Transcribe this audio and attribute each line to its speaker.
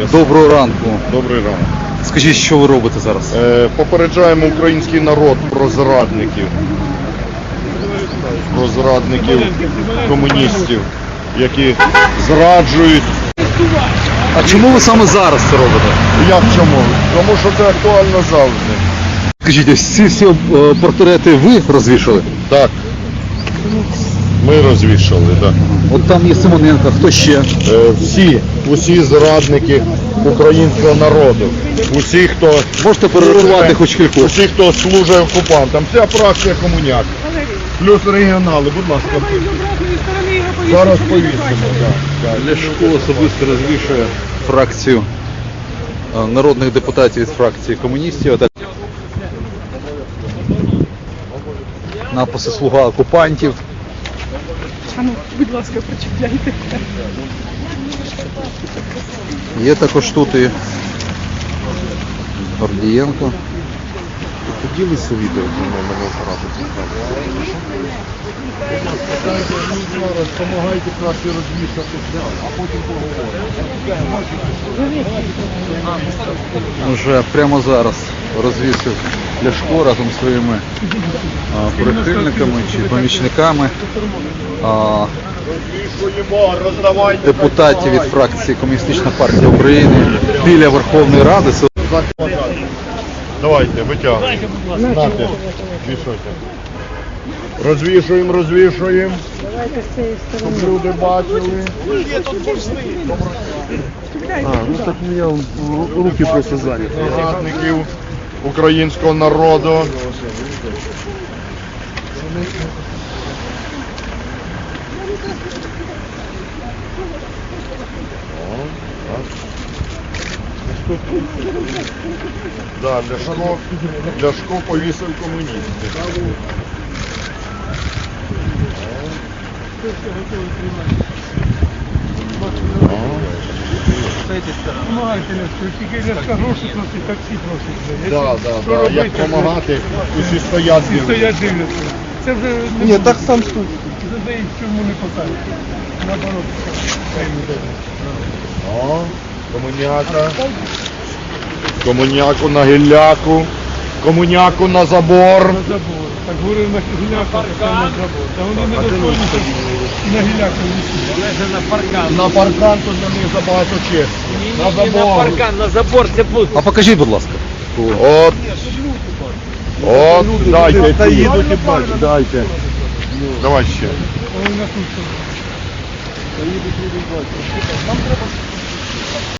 Speaker 1: Доброго ранку.
Speaker 2: Добрий ранок.
Speaker 1: Скажіть, що ви робите зараз?
Speaker 2: Попереджаємо український народ про зрадників. Про зрадників комуністів, які зраджують.
Speaker 1: А чому ви саме зараз це робите?
Speaker 2: Як чому? Тому що це актуально завжди.
Speaker 1: Скажіть, ось ці всі портрети ви розвішали?
Speaker 2: Так. Ми розвішали, так.
Speaker 1: От там є Симоненко, хто ще?
Speaker 2: Усі зрадники українського народу. Усі, хто...
Speaker 1: Можете перерахувати хоч кількох?
Speaker 2: Усі, хто служить окупантам. Вся фракція комуняк. Плюс регіонали, будь ласка. Зараз повісимо.
Speaker 1: Ляшко особисто розвішує фракцію народних депутатів від фракції комуністів. Написи «Слуга окупантів».
Speaker 3: А ну, будь ласка, прочитайте.
Speaker 1: Є також тут і Гордієнко.
Speaker 2: Поділися відео зі мною, мене оператор цікавить. Допомагайте краще розвішати, а потім поговоримо.
Speaker 1: Вже прямо зараз розвісив Ляшко разом зі своїми прихильниками чи помічниками депутатів від фракції Комуністична партія України біля Верховної Ради.
Speaker 2: Давайте, витягуйте. Знати, вішайте. Розвішуємо, розвішуємо. Щоб люди бачили.
Speaker 4: Ну так у меня руки просто заняты.
Speaker 2: Зрадників українського народу. Да, Ляшко повісив комуністів.
Speaker 3: Помагайте, тільки Ляшка гроші просить, таксі просить.
Speaker 2: Да. Як допомагати, усі стоять.
Speaker 3: Всі стоять дивляться. Це вже не
Speaker 4: Нет, так сам стой.
Speaker 3: задають, чому не посадять. Наоборот, хай не дають.
Speaker 2: Комуняка. Комуняку на гілляку. Комуняку на забор.
Speaker 3: На забор. Так говорив на гіляку, так на забор. Та вони не достойні на гіляку висіть.
Speaker 2: На паркан тут на них забагато честі. На забор.
Speaker 5: На забор це буде.
Speaker 1: А покажіть, будь ласка.
Speaker 2: От, дайте.
Speaker 4: Та їдуть і бачать.
Speaker 2: Дайте. Давай ще.
Speaker 3: Вони на тут.